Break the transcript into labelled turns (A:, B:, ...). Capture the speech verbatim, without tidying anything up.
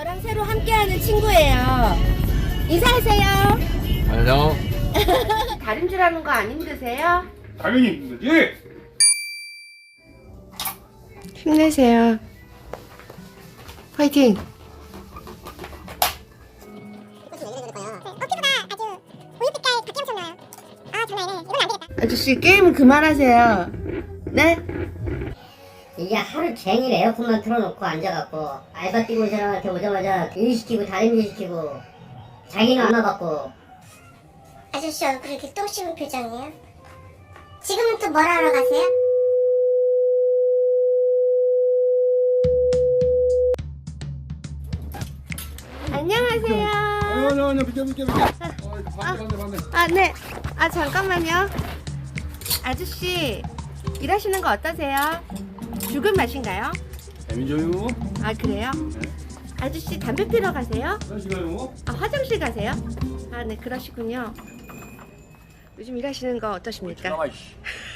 A: 저랑 새로 함께하는 친구예요. 인사하세요.
B: 안녕.
A: 다림질하는 거 안 힘드세요?
B: 당연히 힘들지.
A: 힘내세요. 화이팅! 아저씨 게임은 그만하세요. 네?
C: 이게 하루 종일 에어컨만 틀어놓고 앉아갖고 알바 뛰고 온 사람한테 오자마자 일 시키고 다림질 시키고 자기는 안 와봤고.
D: 아저씨 얼굴이 이렇게 똥 씹은 표정이에요? 지금은 또 뭘 하러 가세요?
A: 안녕하세요.
B: 아니 아니 아니 비켜 비켜 비켜. 반대 반대 반대.
A: 아, 네. 아, 잠깐만요. 아저씨, 일하시는 거 어떠세요? 죽은 맛인가요?
B: 재미줘요.
A: 아, 그래요? 아저씨, 담배 피러 가세요?
B: 시간요.
A: 아, 화장실 가세요? 아, 네, 그러시군요. 요즘 일하시는 거 어떠십니까?
B: 나가 이씨.